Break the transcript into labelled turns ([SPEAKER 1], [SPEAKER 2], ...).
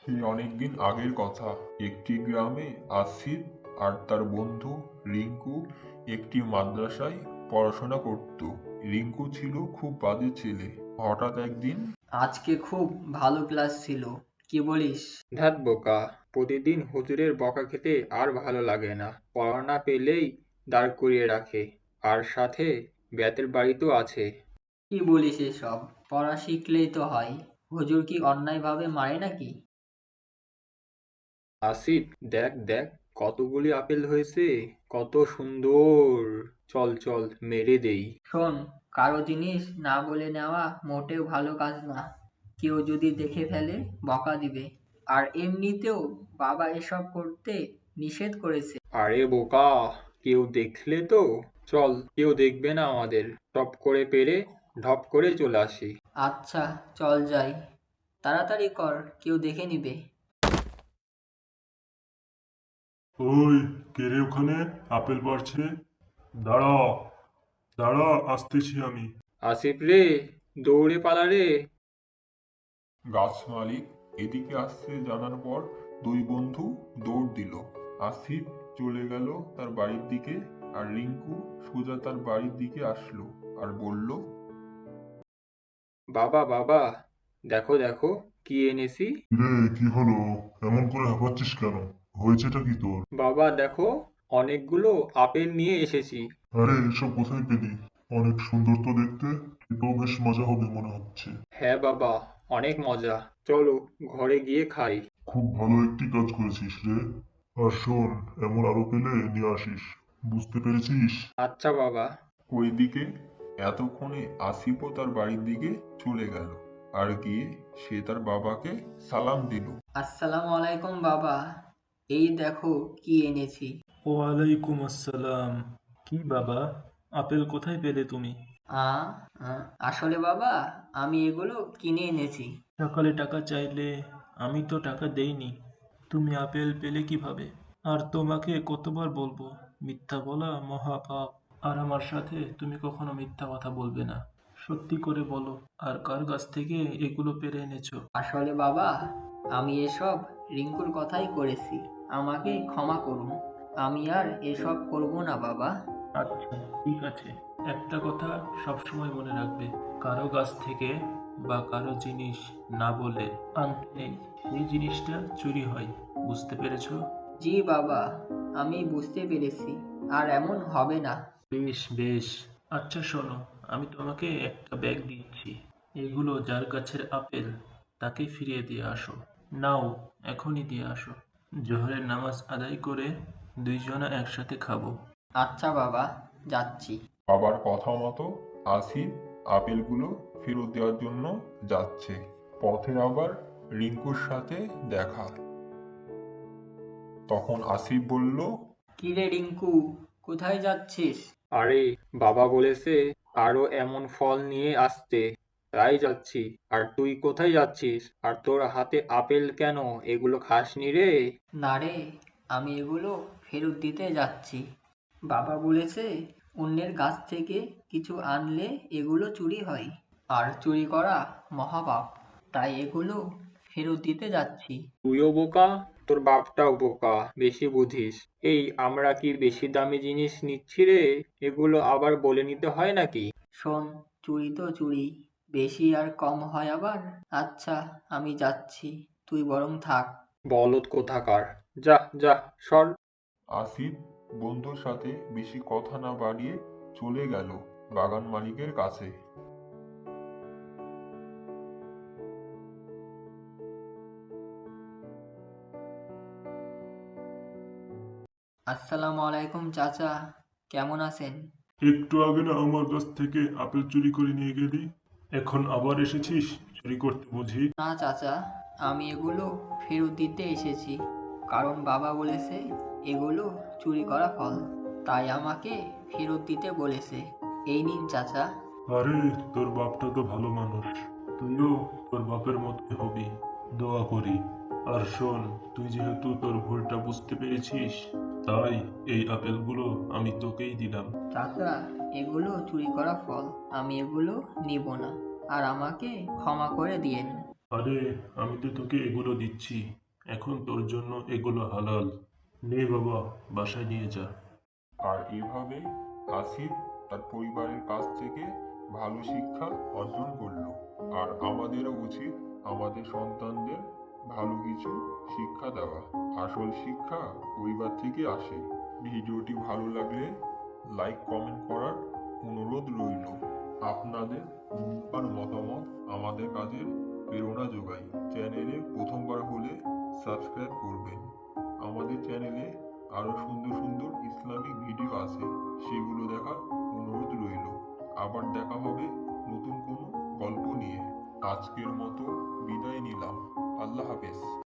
[SPEAKER 1] সেই অনেকদিন আগের কথা। একটি গ্রামে আসিফ আর তার বন্ধু রিঙ্কু একটি মাদ্রাসায় পড়াশোনা করত। রিঙ্কু ছিল খুব বাজে ছেলে। হঠাৎ একদিন
[SPEAKER 2] আজকে খুব ভালো ক্লাস ছিল, কি বলিস?
[SPEAKER 3] ধ্যাৎ বোকা, প্রতিদিন হুজুরের বকা খেতে আর ভালো লাগে না। পড়া না পেলেই দাঁড় করিয়ে রাখে, আর সাথে বেতের বাড়ি তো আছে।
[SPEAKER 2] কি বলিস এসব? পড়া শিখলেই তো হয়। হুজুর কি অন্যায়ভাবে মারে নাকি?
[SPEAKER 3] আসিফ, দেখ দেখ, কতগুলি আপেল হয়েছে, কত সুন্দর। চল চল, মেরে দেই।
[SPEAKER 2] শোন, কারো জিনিস না বলে নেওয়া মোটেও ভালো কাজ না। কেউ যদি দেখে ফেলে বকা দিবে। আর এমনিতেও বাবা এসব করতে নিষেধ করেছে।
[SPEAKER 3] আরে বোকা, কেউ দেখলে তো? চল, কেউ দেখবে না আমাদের। টপ করে পেরে ঢপ করে চলে আসি।
[SPEAKER 2] আচ্ছা, চল যাই। তাড়াতাড়ি কর, কেউ দেখে নিবে।
[SPEAKER 4] ওই, কে রে ওখানে? আপেল পাড়ছে। দাঁড়া, দাঁড়া, আসতেছি আমি।
[SPEAKER 3] আসিফ রে, দৌড়ে পালা রে।
[SPEAKER 1] গাছ মালিক এদিকে আসছে জানার পর দুই বন্ধু দৌড় দিল। আসিফ চলে গেল তার বাড়ির দিকে, আর রিঙ্কু সোজা তার বাড়ির দিকে আসলো আর বলল,
[SPEAKER 3] বাবা বাবা, দেখো দেখো, কি এনেছি।
[SPEAKER 4] রে, কি হলো? এমন করে হাঁপাচ্ছিস কেন? হয়েছেটা কি তোর?
[SPEAKER 3] বাবা দেখো, অনেকগুলো আপেল নিয়ে এসেছি।
[SPEAKER 4] আরে, এসব কোথায় পেলি? অনেক সুন্দর তো দেখতে। এটাও বেশ মজা হবে মনে হচ্ছে।
[SPEAKER 3] হ্যাঁ বাবা, অনেক মজা। চলো, ঘরে গিয়ে খাই।
[SPEAKER 4] খুব ভালো একটি কাজ করেছিস রে। আর শোন, এমন আরো পেলে নিয়ে আসিস। বুঝতে পেরেছিস?
[SPEAKER 3] আচ্ছা বাবা।
[SPEAKER 1] ওইদিকে এতক্ষণে আসিফও তার বাড়ির দিকে চলে গেল, আর গিয়ে সে তার বাবাকে সালাম দিল।
[SPEAKER 2] আসসালামু আলাইকুম বাবা। এই দেখো কি এনেছি।
[SPEAKER 5] ওয়ালাইকুম আসসালাম। কি বাবা, আপেল কোথায় পেলে তুমি?
[SPEAKER 2] আ আ, আসলে বাবা, আমি এগুলো কিনে এনেছি।
[SPEAKER 5] সকালে টাকা চাইলে আমি তো টাকা দেইনি। তুমি আপেল পেলে কিভাবে? আর তোমাকে কতবার বলবো, মিথ্যা বলা মহাপাপ। আর আমার সাথে তুমি কখনো মিথ্যা কথা বলবে না। সত্যি করে বলো, আর কার কাছ থেকে এগুলো পেরে এনেছো?
[SPEAKER 2] আসলে বাবা, আমি এসব রিঙ্কুর কথাই করেছি। আমাকে ক্ষমা করুন। আমি আর এসব করব না বাবা।
[SPEAKER 5] আচ্ছা, ঠিক আছে। একটা কথা সবসময় মনে রাখবে, কারো কাছ থেকে বা কারো জিনিস না বলে আনতে নেই। এই জিনিসটা চুরি হয়, বুঝতে পেরেছো?
[SPEAKER 2] জি বাবা, আমি বুঝতে পেরেছি। আর এমন হবে না।
[SPEAKER 5] বেশ বেশ। আচ্ছা শোনো, আমি তোমাকে একটা ব্যাগ দিচ্ছি। এগুলো যার গাছের আপেল তাকে ফিরিয়ে দিয়ে আসো। নাও, এখনই দিয়ে আসো। জোহরের নামাজ আদায় করে দুইজনা একসাথে খাবো।
[SPEAKER 2] আচ্ছা বাবা, যাচ্ছি।
[SPEAKER 1] বাবার কথা মতো আসিফ আপেলগুলো ফেরত দেওয়ার জন্য যাচ্ছে। পথে আবার রিঙ্কুর সাথে দেখা। তখন আসিফ বলল,
[SPEAKER 2] কি রে রিঙ্কু, কোথায় যাচ্ছিস?
[SPEAKER 3] আরে, বাবা বলেছে আরো এমন ফল নিয়ে আসতে, তাই যাচ্ছি। আর তুই কোথায় যাচ্ছিস? আর তোর হাতে আপেল কেন? এগুলো খাসনি রে?
[SPEAKER 2] না রে, আমি এগুলো ফেরত দিতে যাচ্ছি। বাবা বলেছে অন্যের গাছ থেকে কিছু আনলে এগুলো চুরি হয়, আর চুরি করা মহাপাপ। তাই এগুলো ফেরত দিতে যাচ্ছি।
[SPEAKER 3] তুইও বোকা, তোর বাপটাও বোকা, বেশি বুঝিস। এই, আমরা কি বেশি দামি জিনিস নিচ্ছি রে? এগুলো আবার বলে নিতে হয় নাকি?
[SPEAKER 2] শোন, চুরি তো চুরি, বেশি আর কম হয় আবার। আচ্ছা, আমি যাচ্ছি, তুই বরং থাক।
[SPEAKER 3] বলদ কোথাকার! যা যা, সর।
[SPEAKER 1] আসিফ বন্ধুর সাথে বেশি কথা না বাড়িয়ে চলে গেল বাগান মালিকের কাছে।
[SPEAKER 2] আসসালামু আলাইকুম চাচা, কেমন আছেন?
[SPEAKER 4] একটু আগে না আমার কাছ থেকে আপেল চুরি করে নিয়ে গেলি? এখন আবার এসেছিস চুরি করতে বুঝি?
[SPEAKER 2] না চাচা, আমি এগুলো ফেরত দিতে এসেছি। কারণ বাবা বলেছে এগুলো চুরি করা ফল, তাই আমাকে ফেরত দিতে বলেছে। এই নিন চাচা।
[SPEAKER 4] আরে, তোর বাপটা তো ভালো মানুষ। তুইও তোর বাপের মতোই হবি, দোয়া করি। আর শোন, তুই যেহেতু তোর ভুলটা বুঝতে পেরেছিস, তাই এই আপেলগুলো আমি তোকেই দিলাম।
[SPEAKER 2] চাচা, এগুলো চুরি করা ফল, আমি এগুলো নিব না। আর আমাকে ক্ষমা করে দিয়েন।
[SPEAKER 4] আরে আমি তো তোকে এগুলো দিচ্ছি, এখন তোর জন্য এগুলো হালাল। নে বাবা, বাসায় নিয়ে যা।
[SPEAKER 1] আর এভাবেই আসিফ তার পরিবারের কাছ থেকে ভালো শিক্ষা অর্জন করলো। আর আমাদেরও উচিত আমাদের সন্তানদের ভালো কিছু শিক্ষা দেওয়া। আসল শিক্ষা পরিবার থেকে আসে। ভিডিওটি ভালো লাগলে লাইক কমেন্ট করার অনুরোধ রইল। আপনাদের মূল্যবান মতামত আমাদের কাজের প্রেরণা যোগায়। চ্যানেলে প্রথমবার হলে সাবস্ক্রাইব করবেন। আমাদের চ্যানেলে আরো সুন্দর সুন্দর ইসলামিক ভিডিও আছে, সেগুলো দেখার অনুরোধ রইল। আবার দেখা হবে নতুন কোনো গল্প নিয়ে। আজকের মতো বিদায় নিলাম। আল্লাহ হাফেজ।